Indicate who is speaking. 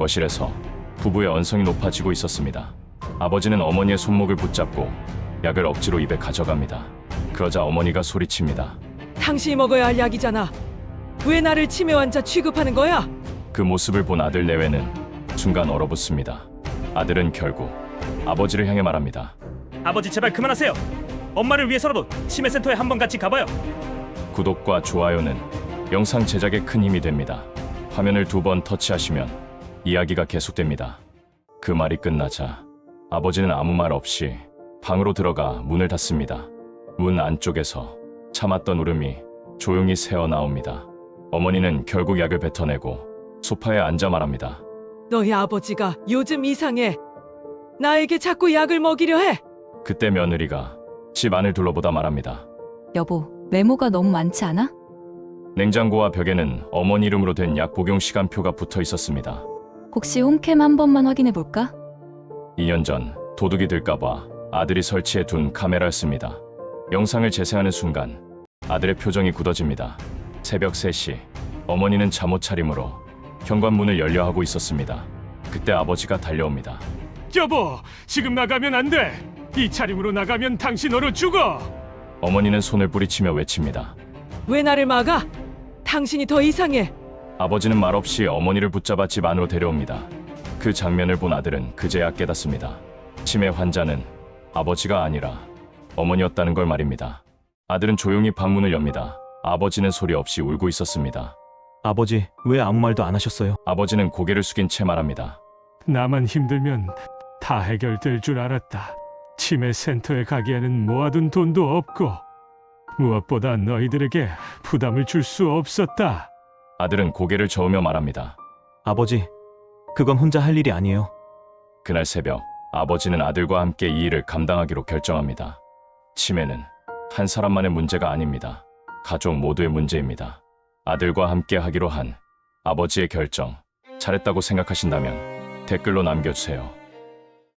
Speaker 1: 거실에서 부부의 언성이 높아지고 있었습니다. 아버지는 어머니의 손목을 붙잡고 약을 억지로 입에 가져갑니다. 그러자 어머니가 소리칩니다.
Speaker 2: 당신이 먹어야 할 약이잖아. 왜 나를 치매 환자 취급하는 거야?
Speaker 1: 그 모습을 본 아들 내외는 순간 얼어붙습니다. 아들은 결국 아버지를 향해 말합니다.
Speaker 3: 아버지 제발 그만하세요. 엄마를 위해서라도 치매센터에 한번 같이 가봐요.
Speaker 1: 구독과 좋아요는 영상 제작에 큰 힘이 됩니다. 화면을 2번 터치하시면 이야기가 계속됩니다. 그 말이 끝나자 아버지는 아무 말 없이 방으로 들어가 문을 닫습니다. 문 안쪽에서 참았던 울음이 조용히 새어나옵니다. 어머니는 결국 약을 뱉어내고 소파에 앉아 말합니다.
Speaker 2: 너희 아버지가 요즘 이상해. 나에게 자꾸 약을 먹이려 해.
Speaker 1: 그때 며느리가 집 안을 둘러보다 말합니다.
Speaker 4: 여보, 메모가 너무 많지 않아?
Speaker 1: 냉장고와 벽에는 어머니 이름으로 된 약 복용 시간표가 붙어 있었습니다.
Speaker 4: 혹시 홈캠 한 번만 확인해 볼까?
Speaker 1: 2년 전 도둑이 들까봐 아들이 설치해 둔 카메라였습니다. 영상을 재생하는 순간 아들의 표정이 굳어집니다. 새벽 3시 어머니는 잠옷 차림으로 현관문을 열려 하고 있었습니다. 그때 아버지가 달려옵니다.
Speaker 3: 여보, 지금 나가면 안 돼. 이 차림으로 나가면 당신 얼어 죽어.
Speaker 1: 어머니는 손을 뿌리치며 외칩니다.
Speaker 2: 왜 나를 막아? 당신이 더 이상해.
Speaker 1: 아버지는 말없이 어머니를 붙잡아 집 안으로 데려옵니다. 그 장면을 본 아들은 그제야 깨닫습니다. 치매 환자는 아버지가 아니라 어머니였다는 걸 말입니다. 아들은 조용히 방문을 엽니다. 아버지는 소리 없이 울고 있었습니다.
Speaker 5: 아버지, 왜 아무 말도 안 하셨어요?
Speaker 1: 아버지는 고개를 숙인 채 말합니다.
Speaker 3: 나만 힘들면 다 해결될 줄 알았다. 치매 센터에 가기에는 모아둔 돈도 없고 무엇보다 너희들에게 부담을 줄 수 없었다.
Speaker 1: 아들은 고개를 저으며 말합니다.
Speaker 5: 아버지, 그건 혼자 할 일이 아니에요.
Speaker 1: 그날 새벽 아버지는 아들과 함께 이 일을 감당하기로 결정합니다. 치매는 한 사람만의 문제가 아닙니다. 가족 모두의 문제입니다. 아들과 함께 하기로 한 아버지의 결정, 잘했다고 생각하신다면 댓글로 남겨주세요.